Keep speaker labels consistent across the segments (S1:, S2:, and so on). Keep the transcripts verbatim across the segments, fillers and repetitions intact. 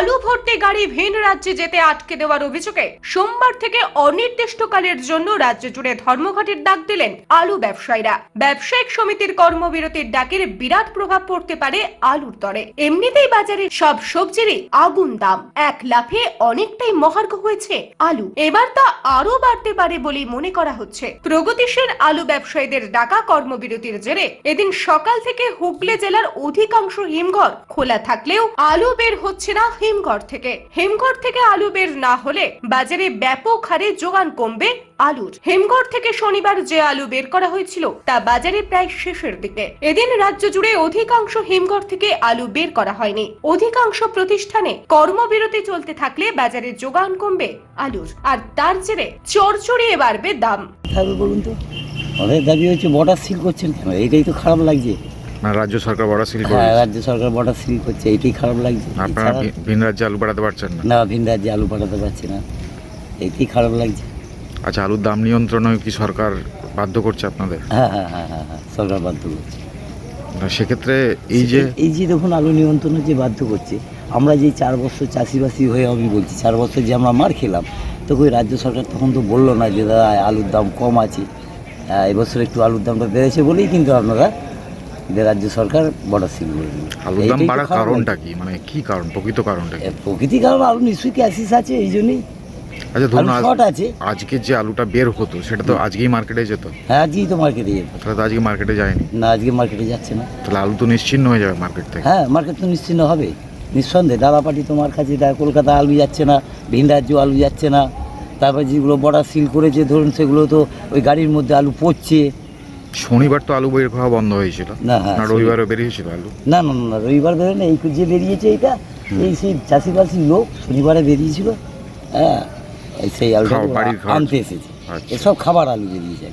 S1: আলু ভর্তি গাড়ি ভিন রাজ্যে যেতে আটকে দেওয়ার অভিযোগে সোমবার থেকে অনির্দিষ্টকালের জন্য রাজ্য জুড়ে ধর্মঘটের ডাক দিলেন আলু ব্যবসায়ীরা। ব্যবসায়িক সমিতির কর্মবিরতির ডাকের বিরাট প্রভাব পড়তে পারে আলুর দরে। এমনিতেই বাজারে সব সবজিরই আগুন দাম, এক লাফে অনেকটাই মহার্ঘ হয়েছে আলু। এবার তা আরো বাড়তে পারে বলেই মনে করা হচ্ছে। প্রগতিশীল আলু ব্যবসায়ীদের ডাকা কর্মবিরতির জেরে এদিন সকাল থেকে হুগলি জেলার অধিকাংশ হিমঘর খোলা থাকলেও আলু বের হচ্ছে না হিমঘর থেকে। হিমঘর থেকে আলু বের না হলে বাজারে ব্যাপক হারে যোগান কমবে আলুর। হিমঘর থেকে শনিবার যে আলু বের করা হয়েছিল তা বাজারে প্রায় শেষের দিকে। এদিন রাজ্য জুড়ে অধিকাংশ হিমঘর থেকে আলু বের করা হয়নি। অধিকাংশ প্রতিষ্ঠানে কর্মবিরতি চলতে থাকলে বাজারে যোগান কমবে আলুর, আর তার জেরে চড়চড়িয়ে বাড়বে দাম।
S2: বলুন তো, ওদের দাবি হচ্ছে বর্ডার সিল করছেন কেন? এটাই তো খারাপ লাগছে।
S3: না, রাজ্য সরকার বর্ডার সিল করে।
S2: হ্যাঁ, রাজ্য সরকার বর্ডার সিল করছে, এটাই খারাপ লাগছে।
S3: আপনারা ভিন রাজ্যে আলু পাঠাতে পারছেন না?
S2: না, ভিন রাজ্যে আলু পাঠাতে পারছি না, এটাই খারাপ লাগছে।
S3: আচ্ছা, আলুর দাম নিয়ন্ত্রণে কি সরকার বাধ্য করছে আপনাদের?
S2: হ্যাঁ হ্যাঁ হ্যাঁ হ্যাঁ হ্যাঁ সরকার বাধ্য করছে।
S3: সেক্ষেত্রে এই যে
S2: এই যে দেখুন আলু নিয়ন্ত্রণে যে বাধ্য করছে, আমরা যে চার বছর চাষিবাসী হয়ে আমি বলছি চার বছর যে আমরা মার খেলাম, তো ওই রাজ্য সরকার তখন তো বললো না যে দাদা আলুর দাম কম আছে। এবছর একটু আলুর দামটা বেড়েছে বলেই কিন্তু আপনারা রাজ্য সরকার বর্ডার সিল করে দিল।
S3: আলুর দাম বাড়ার কারণটা কি, মানে কি কারণ, প্রকৃত কারণটা কি?
S2: প্রকৃতি কারণ আলু নিশ্চয়ই ক্রাইসিস আছে, এই জন্যই।
S3: আচ্ছা ধরুন
S2: আছে
S3: আজকে যে আলুটা বের হতো সেটা তো আজকেই মার্কেটে যেত।
S2: হ্যাঁ, আজকেই তো মার্কেটে যেত।
S3: তাহলে তো আজকে মার্কেটে যায়নি।
S2: না, আজকে মার্কেটে যাচ্ছে না।
S3: তাহলে আলু তো নিশ্চিহ্ন হয়ে যাবে মার্কেট থেকে।
S2: হ্যাঁ, মার্কেট তো নিশ্চিহ্ন হবে নিঃসন্দেহে। দাদাপাটি তোমার কাছে কলকাতা আলু যাচ্ছে না, ভিন রাজ্য আলু যাচ্ছে না। তারপর যেগুলো বর্ডার সিল করেছে ধরুন সেগুলো তো ওই গাড়ির মধ্যে আলু পড়ছে।
S3: শনিবার তো আলু বের হওয়া বন্ধ হয়েছিল
S2: না? হ্যাঁ,
S3: না রবিবারও বেরিয়েছিল আলু?
S2: না না না রবিবার বেরোয় না, এই যে বেরিয়েছে এইটা, এই সেই চাষিবাসীর লোক শনিবারে বেরিয়েছিল। হ্যাঁ, সেই আলুটা আনতে এসেছে, এসব খাবার আলু বেরিয়েছে।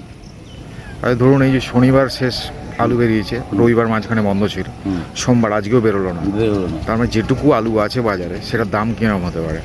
S3: আরে ধরুন এই যে শনিবার শেষ আলু বেরিয়েছে, রবিবার মাঝখানে বন্ধ ছিল, সোমবার আজকেও বেরোলো না, বেরোলো না। তার মানে যেটুকু আলু আছে বাজারে সেটার দাম কিরকম হতে পারে?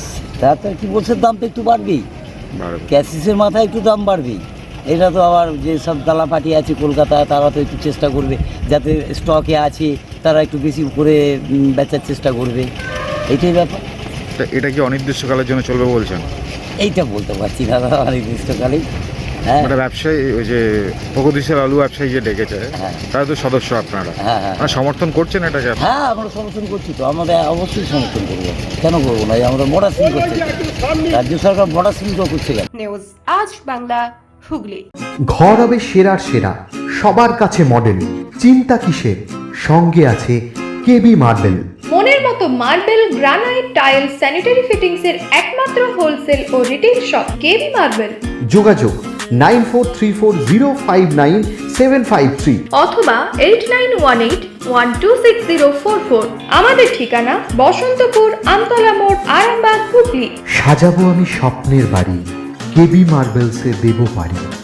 S2: তার কি বলছে, দাম তো একটু বাড়বেই, ক্যাসিসের মাথায় একটু দাম বাড়বেই। এটা তো আবার যে সব দালাপাটি আছে কলকাতায় তারা তো একটু চেষ্টা করবে যাতে স্টকে আছে তারা একটু বেশি করে বেচার চেষ্টা করবে, এইটাই ব্যাপার।
S3: এটা কি অনির্দিষ্টকালের জন্য চলবে বলছেন?
S2: এইটা বলতে পারছি না দাদা, অনির্দিষ্টকালেই। হ্যাঁ,
S3: মানে ব্যবসায়ী ওই যে প্রগতিশীল আলু ব্যবসায়ী যে ডেকেছে তারা তো সদস্য আপনারা,
S2: হ্যাঁ হ্যাঁ
S3: সমর্থন করছেন এটাকে?
S2: হ্যাঁ, আমরা সমর্থন করছি তো, আমাদের অবশ্যই সমর্থন করবো, কেন করবো না? আমরা বর্ডার সিল করছি, রাজ্য সরকার বর্ডার সিল করছে।
S1: নিউজ আজ বাংলা, হুগলি।
S4: ঘর হবে সেরার সেরা, সবার কাছে মডেল, চিন্তা কিসের? সঙ্গে আছে কেবি মার্বেল।
S5: মনের মতো marble, granite, tile, sanitary fittings এর একমাত্র হোলসেল ও রিটেল শপ কেবি মার্বেল।
S4: যোগাযোগ nine four three four zero five nine seven five three
S5: অথবা eight nine one eight one two six zero four four. আমাদের ঠিকানা বসন্তপুর, আমতলা মোড়, আরামবাগ, হুগলি।
S4: সাজাবো আমি স্বপ্নের বাড়ি, কেবি মার্বেলসে দেবো বাড়ি।